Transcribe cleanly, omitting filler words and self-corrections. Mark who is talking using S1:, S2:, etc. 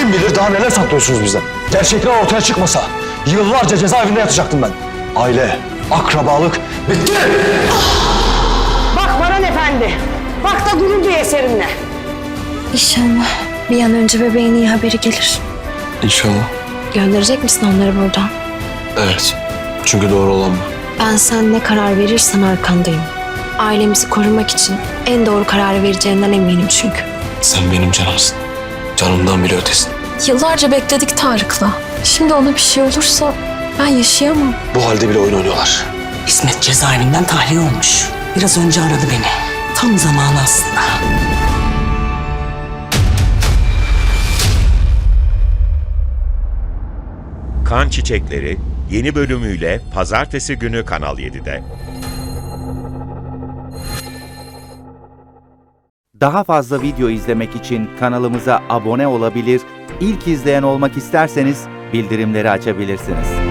S1: Kim bilir daha neler saklıyorsunuz bizden. Gerçekler ortaya çıkmasa yıllarca cezaevinde yatacaktım ben. Aile, akrabalık bitti.
S2: Bak Baran Efendi, bak da gurur duy eserinle.
S3: İnşallah bir an önce bebeğin iyi haberi gelir.
S4: İnşallah.
S3: Gönderecek misin onları buradan?
S4: Evet. Çünkü doğru olan bu.
S3: Ben sen ne karar verirsen arkandayım. Ailemizi korumak için en doğru kararı vereceğinden eminim çünkü.
S4: Sen benim canımsın. Canımdan bile ötesin.
S3: Yıllarca bekledik Tarık'la. Şimdi ona bir şey olursa ben yaşayamam.
S4: Bu halde bile oyun oynuyorlar.
S5: İsmet cezaevinden tahliye olmuş. Biraz önce aradı beni. Tam zamanı aslında.
S6: Kan Çiçekleri yeni bölümüyle Pazartesi günü Kanal 7'de.
S7: Daha fazla video izlemek için kanalımıza abone olabilir, ilk izleyen olmak isterseniz bildirimleri açabilirsiniz.